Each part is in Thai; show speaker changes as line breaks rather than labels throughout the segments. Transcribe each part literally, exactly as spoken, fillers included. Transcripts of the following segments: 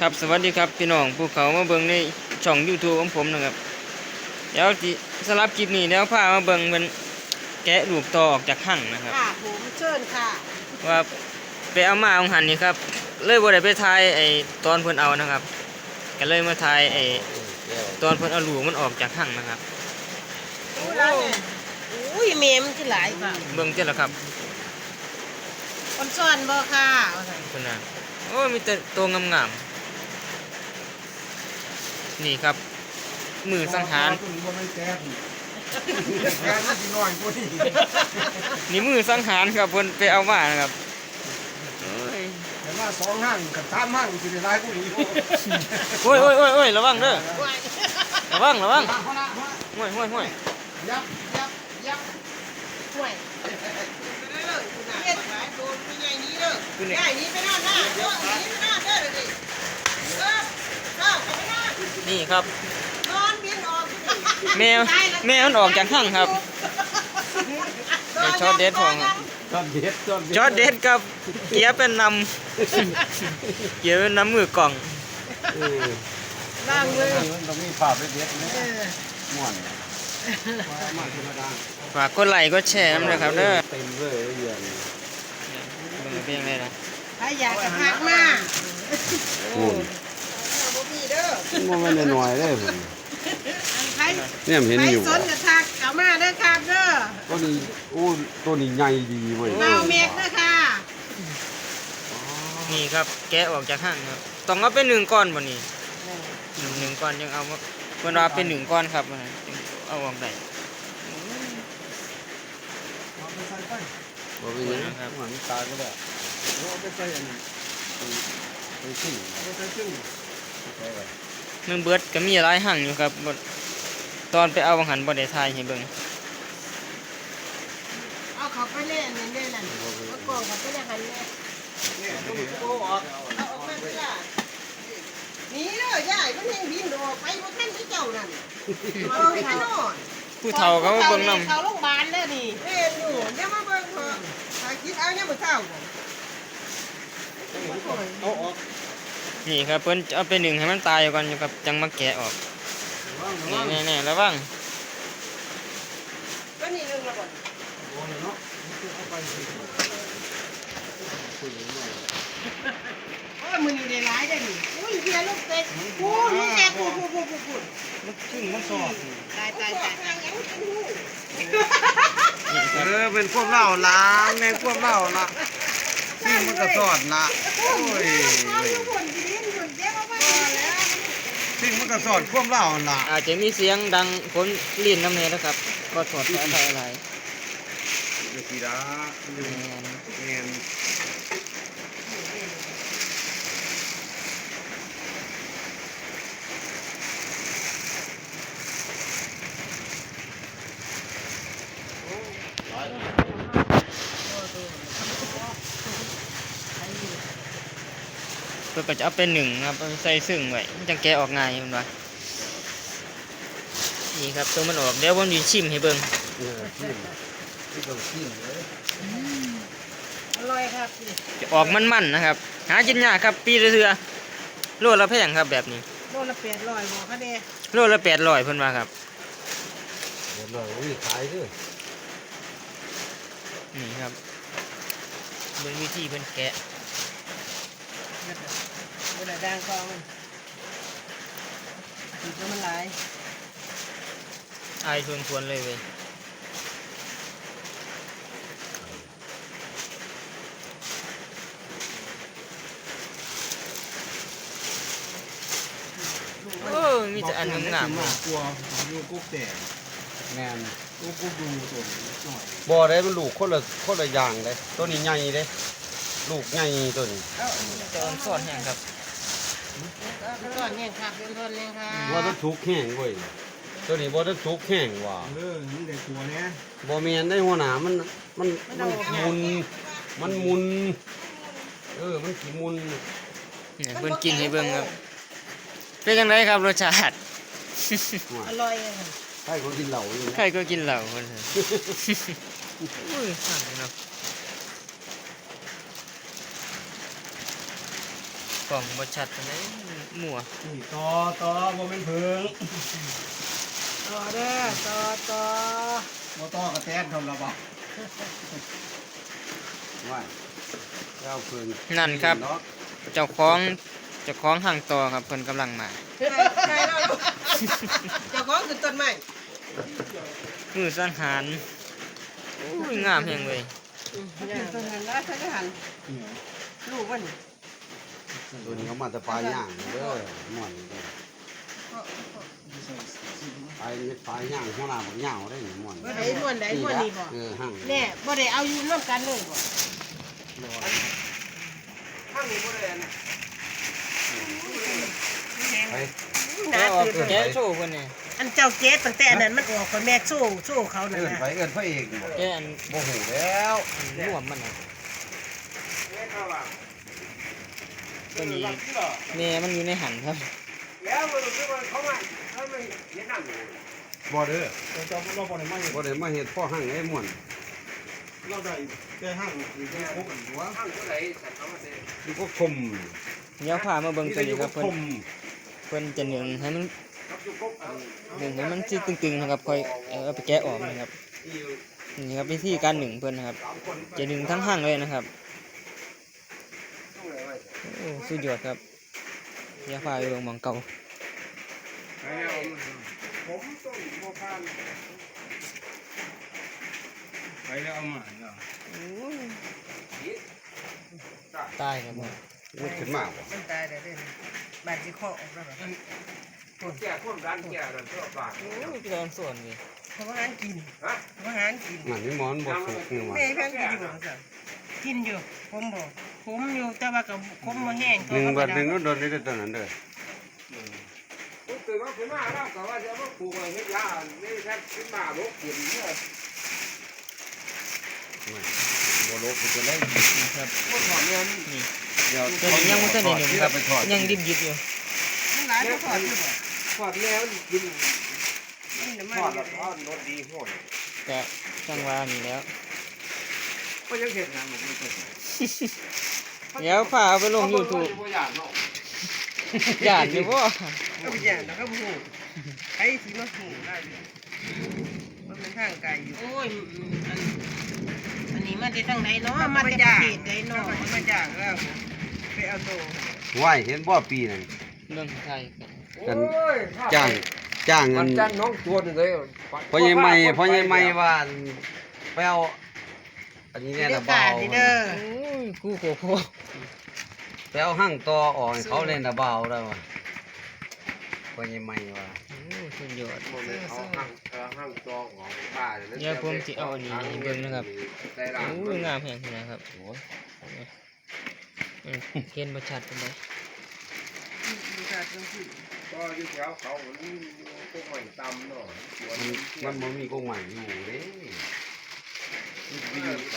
ครับสวัสดีครับพี่น้องผู้เขามาเบิ่งในช่อง YouTube ของผมนะครับเดี๋ยวที่สำหรับคลิปนี้เดี๋ยวพามาเบิ่งเป็นแกะลูกตอออกจากหั่งนะครับ
ค่ะผมเชิญค่ะ
ว่าไปเอามาของหันนี่ครับเลยบ่ได้ไปถ่ายไอ้ตอนเพิ่นเอานะครับก็เลยมาถ่ายไอ้ตอนเพิ่นเอาลูกมันออกจากหั่งนะครับ
โอ้ร้านเนี่ยอุ้ยเมมที่หลายค่ะ
เบิ่งเจ้าละครับ
คนซ่อนบ่ค่ะ
เพิ่นน่ะโอ้มีแต่ตัวงามๆนี่ครับมือสังหารนี่มือสังหารครับเพิ่นไปเอามานะครับ
เห็นว่าสองห้างกับสามห้างสิได้หลายกว่านี้
โอ้ยโอ้ยโอ้ยโอ้ยระวังเด้อระวังระวังห้วยห้วยห้วย
ยับยับยับ
ห่วยเฮ็ดหลายโดนมีใหญ่นี้เด้อใหญ่นี้ไปนอนหน้าเด้อนี้ไปนอนเด้อเด้อเออเข้าไปนอน
นี่ครับ
นอนบินออก
แมวแมวมันออกจากห้างครับช็อตเด็ดพอง
ชอบเด็ดชอบเด็ด
ช็อตเด็ดกับเกียร์เป็นนำเกียร์เป็นน้ำมือกล่อง
ล่างเลย
ต้องมีภาพเด็ดๆนะม่วนมาธรรมดา
ฝากกดไลค์กดแชร์น้ำเลยครับเด้อ
เต็มเลยเดือน
เบิ่งเพียงเลยนะ
ใครอยากจะพักมา
โอ้
บ่มีเด้อ
มันไม่ได้หน่อยเลยผม
เนี่ยเห็นอยู่ใครสนจะทักเข้ามาเด้อครับเด้อ
ตัวนี้โอ้ตัวนี้ใหญ่ดีเว้ย
เมาเมกเด้อค่ะ
นี่ครับแกะออกจากห้างครับต้องเอาเป็นหนึ่งก้อนบ่นี่หนึ่งก้อนยังเอาเวลาเป็นหนึ่งก้อนครับเอาออกได้
บ่เป็นยังครับหันตาก็ได้เอาไปใส่อันนี้ไปขึ้นเอาไปใส่ขึ้น
มันเบิดก็มีหลายหั่งอยู่ครับตอนไปเอาหันบ่ได้ทายให้เบิ่ง
เอาเขาไปเล่นนี่เล่นนั่นเอากล่องเขาไปเล่นหันแม่
เนี่ยต้องโอ้ออก
เอาออกมาสิล่ะนี่เด้อยายมันยังบินออกไปบ่ทันที่เจ้านั่นเอาไปนอน
ผู้เฒ่าเขาเบิ่งนำ
เขาโรงพยาบาลเด้อนี่เล่นอยู่เดี๋ยวมาเบิ่งเถอะถ้าคิดเอาเนี่ยมื้อเช้า
เอาออก
นี่ครับเพิ่นเอาไปหนึ่งให้มันตายก่อนอยู่ครับจังมาแกะออกนี่แน่ๆระวัง
ก็นี่นึงละบ่
โอ้เนาะเอาไป
โอ้ยมื้อนี้ได้หลายได้นี่อุ้ยเฮียลูกเต็กกูนี่แกกูกูกูกูกู
มันขึ้นมันสอบ
ตายตายตาย
เออเป็นพวกเล่าล้างในพวกเล่าละซึ่งมันก็สอดละโอ้ยซึ่งมันก็สอดพวกเล่าละ
อาจจะมีเสียงดังคนลิ้นน้ำเนยนะครับก็ถอดสายไฟอะไร
เดี๋ยวสีดาเงิน
เพื่อก็จะเอาเป็นหนึ่งครับใส่ซึ่งไว้จังแกะออกง่ายมันว่านี่ครับตัวมันออกเดี๋ยวผมจะชิมให้เบิ่ง
อร่อยครับ
จะออกมันๆนะครับหากินยากครับปีละเทื่อโลละแพงครับแบบนี้
โลละแปดร้อยบ่คะเด้
โลละแปดร้อยเพิ่นว่าครับ
เดี๋ยวเราวิ่งขายด้วย
นี่ครับเบิ่งวิธีเพิ่นแกะ
บ่ได้ด่างกองมันติดมันหลาย
อายชวนๆเลยเว้ยโอ้มีแต่อันงามๆ
กลัวอยู่กุ๊กแต่แม่นกุ๊กกุ๊กดูตัวหน่อยบ่ได้มันลูกคนละคนละอย่างเลยตัวนี้ใหญ่เลยลูกใหญ่ตัวนี้
จะอ่อนซ่อนแห้งครับ
ก้อนแห้งครับเป็นต้นเลยค่ะ
ว่าต้องทุกแห้งเว้ยตัวนี้บ่ต้องทุกแห้งว่ะ
เออนี่ได้ตัวเนี้ย
บ่แม่นได้หัวหน้ามันมันมันมุนมันมุนเออมันสิมุน
เนี่ยเพิ่นกินให้เบิ่งครับเป็นจังไดครับรสชาติ
อร่อย
ใครก็กินเหล้าอยู่
ใครก็กินเหล้าเพิ่นอุ้ยสั่นเนาะกล่องบ่ชัดปานใดมั่ว
นี่ต่อต่อบ่แม่นเพิง
ต่อเด้อต่อต่อ
บ่ต่อกระแตนทำละบ่ว่าเจ้าเพิง
นั่นครับ เจ้าของเจ้าของห้างต่อครับเพิ่นกำลังมา
ใช่แล้วลูกเจ้าของขึ้นต้นไม้
มือสังหารโอ้ยงามแฮงเลย
ขึ้นต้นหันแล้วฉันก็หันลูกมัน
ตัวนี้เขามาแต่ปลายย่างเด้อม่วนเด้อปลายปลายย่างหัวหน้าบักเหย่าได้นี่ม่วน
ไอ้ม่วนไอ้ม่วนนี่บ่
เออหั่ง
แน่บ่ได้เอาอยู่ร่วมกันเลยบ่
หั่งนี่บ่ได้อันไป
หนา
แกออก
ตื่น
แกโชว์เพิ่นนี่
อันเจ้าเจ๊ตั้งแต่อันนั้นมันออกไปแม่โซ่โซ่เขานั่น
เอิ้น
น่ะ
ไปเอิ้นพระเอกบ่
แกอัน
บ่ฮู้แล้ว
อันร่วมมันน่ะตัวนี้แม่มันอยู่ในหันครับ
แล้วมันคือว่าเขามาเขาไม่เห็นนั่นอยู่
บ่เด้อ
เราจะเราบ่ได้มาเห็น
บ่ได้มาเฮ็ดพ่อหั่งไอ้ม่วน
เราได้แค่ห้างหรือแค่พบกันตัว
ข้างผู้ใดใส่เขามาเซ็น
นี่ก็คม
เดี๋ยวพามาเบิ่งตัวนี้ครับเพิ่น
คม
เพิ่นจะหนึ่งให้มัน
ครับอยู่ปุ๊บเอา
หนึ่งให้มันสิตึงๆนะครับค่อยเอาไปแกะออกนะครับนี่ครับวิธีการหนึ่งเพิ่นนะครับ จะดึงทั้งห้างเลยนะครับ
ต้องเลยว่า
โอ้สุดยอดครับเดี๋ยวพาไปเบิ่งหม่องเก่า
ไปแล้วผมต้องโมพาน
ไปแล้วเอามาเนาะ
ตายครับผม
มันขึ้นมาบ่
มันตายได้เด้อบาดสิคอออกแล้วบ่
แก่คนร้านแก่นั่นชอบบาท
โอ้ยพี่ตอนส่วนนี่
เพราะว่าหารกิน
ฮะ
เพราะว่าหารกิน
นั่นนี่หมอนบ่สุกนี่ว่า
แม่เพิ่นกินอยู่บ่ซั่นกินอยู่ผมบ่ผมอยู่แต่ว่าก็ผมบ่แห้ง
หนึ่งบัดหนึ่งก็โดนนี่ตัวนั้นเด้อ
ผมตื่นมาขึ้นมาแล้วก็ว่าจะมาปลูกอะไรเฮ็ดยานี่แค่ขึ้นมาบกกินเนี่ย
บ่ลบจะได้
นี่ครับ
พวกถอนเงิน
นี่
เดี๋ยว
ตัวนี้ยังบ่ทันได้หนึ่งครับ
ไปทอด
ยังดิบๆอยู่
มันหลายบ่ถอดอยู่บ่
ถอดแล้วกิน
นี่น้ำมั
ถ
น
อด
อ
แล้ว
ยู่
ทอดรสดีโหด
ก็จังว่านี่แล้ว
ก็ยังเห็นงานผมไม่เคย
เดี๋ยวพาเอาไปลง YouTube
ตัวอย่างเนาะ
ย่านอยู่บ่
ก็บ่ย่านแล้วก็บ่ฮู้ใครสิมาฮู้ได้มันเป็นทางไกลอยู่โอ้ยอันอันนี้มาจากทางไหนเนาะมาจากประเทศใดเนาะมาจากแล้วไปเอาโต
ไหว้เห็นบ่ปีนั้น
เรื่องไทยกัน
กัน
โอ้ย
จ้างจ้างเงิ
มัน
น
จันน้องตัวหนึงเลย
พ่อใหญ่ใหม่พ่อใหญ่ใหม่ว่าไปเอาอันนี้เนี่ย
เด้
นะ
อ
เบา
การนี่เด้อ
โอ้ยกูโคโค
ไปเอาหั่งต่อออกให้เขาเล่นนะเบาแล้วว่ะพ่อใหญ่ใหม่ว่า
โอ้ยสุดยอด
มันเลยเอาห้างเออห้างจองของบ้าน
เดี๋ยวผมสิเอาอันนี้ให้เบิ่งนะครับ
ได้ร้าน
โอ้ยงามแฮงขนาดครับโอ้ยอืมเห็นบ่ชัดปานใด
ดูการจังซี่
ก็อยู่แถวเขามันอยู่พวกใหม่ตำเนาะสวน
มันมันบ่มีกงใหม่อยู่เด้มันอยู่ใส่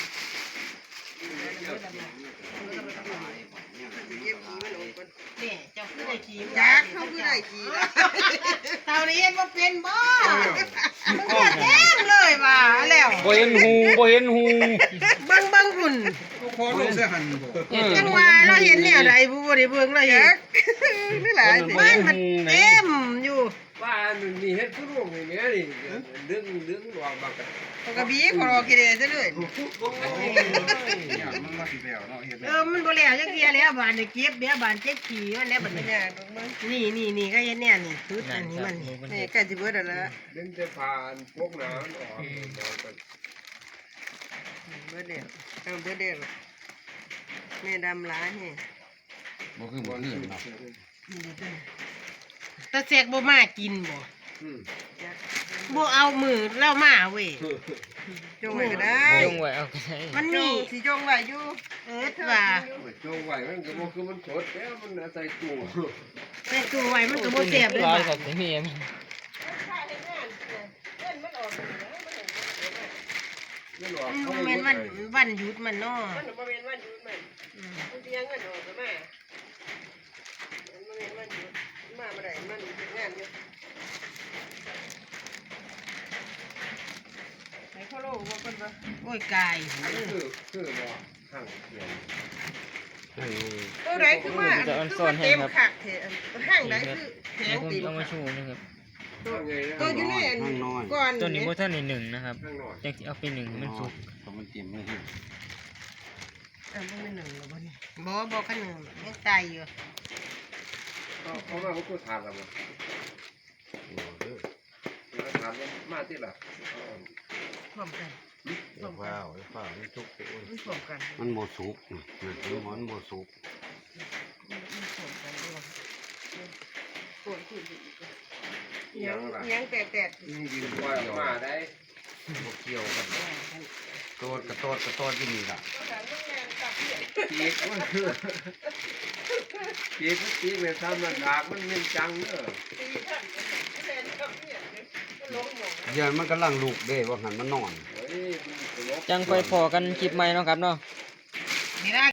นี่เจ้าคือได้ขี่ยักษ์เขาคือได้ขี่ล่ะเท่านี้เฮ็ดบ่เป็นบ่มันก็แท้งเลยว่าแล้ว
บ่เห็นหูบ่เห็นหู
เบิ่งเบิ่งหุ่น
พอลงเสียหันบ่
เออ
จังว่าเราเห็นแนวใดผู้บ่ได้เบิ่งเราเห็นนี่หลายบ้านมันเต็มอยู่
ว่ามันมีเฮ็ดผู้ร่วงอย่างเงี้ยนี่เรื่องเรื่องหลอกบางกัน
ปกติขอรอกินได้ซะเลย
อยากมันมาสิแล้วเนาะเฮ็ด
เออมันบ่แล้วจักเที่ยแล้วบ้านได้เก็บเดี๋ยวบ้านเจ็บขี้มันแล้วบัดนี้นี่นี่นี่ก็เฮ็ดแน่นี่ชุดอันนี้มันนี่ใกล้สิเบิดแล้วล่ะ
เรื่องจะผ่านพวกน้ำออกบอกกัน
เบิดแล้วเอาเบิดแล้วแม่ดำหลายแฮะ
บ่คือบ่คือเนาะ
ตาแซกบ่มากินบ่
อืม
บ่เอามือเล่ามาเว้ยจงไว้ก็ได้
จงไว้เอาก็ได้
มันมีสิจงไว้อยู่เออว่า
โจงไหวมันก็บ่คือมันสดแล้วมันใส่ตู้
แต่ตัวไว้มันก็บ่แซ่บเลย
ร้อย
บ่
กับเมียมัน
ไม่หลอก
มัน
เขา
บ่
ไม่
แม่น
รู้
วันวันหยุดมันเนาะ
มันบ่แม่นวันหยุดมันมันสิยังเงินออกก็มามันบ่แม่นวันหยุดมาบ่ได้มันเฮ็ดงานอยู่ให้เขาโลว่าเพิ่นว่า
โอ้ยกาย
คือคือบ่ห่างเขียน
นั่นไง
ตัวไหนคือว่าคือว่าเต็มขักเถอะห้างไหนคือแข็
เดี๋ยว
ง
ผม
เต็ม
เอามาโชว์นะครับ
ตัวอยู่ในอันก่อน
ตัวนี้บ่ทันได้หนึ่งนะครับ
ข้างนอก
จังสิเอาไปหนึ่งให้มันสุก
เพราะมันเตรียมไม่ให้
อ่ะบ่แม่นหนึ่งหรอบ่นี่บ่บ่คันหนึ่งยังตายอยู่
เอาเอามาเขาก็ทานแล้วมั้งทานมาที่ละ
พร้อมกัน
เดี๋ยวว้าวเดี๋ยวว้าวมันสุกโอ้ย
มันพร้อมกัน
มันโมสุกนะมันมันโมสุก
มันพร้อมกันด้วยปวดขึ้นอีก
ยั
ยัง
งล่ะ
ยังแตก
ยิงยิงว่ามาได้
โมเกี่ยวกัน
ๆ
โตดกระโตดกระโตดที่นี่ล่ะ
ปีกมันคือปีกมันปีกเลยทำมันดากมันเป็นจังเนอะ
เดี๋ยวมันกำลังลูกเด้ว่าหันมันนอน
เฮ้ยมันตลก
จังไปพอกันคลิปใหม่เนาะครับเนาะ
นี่นะ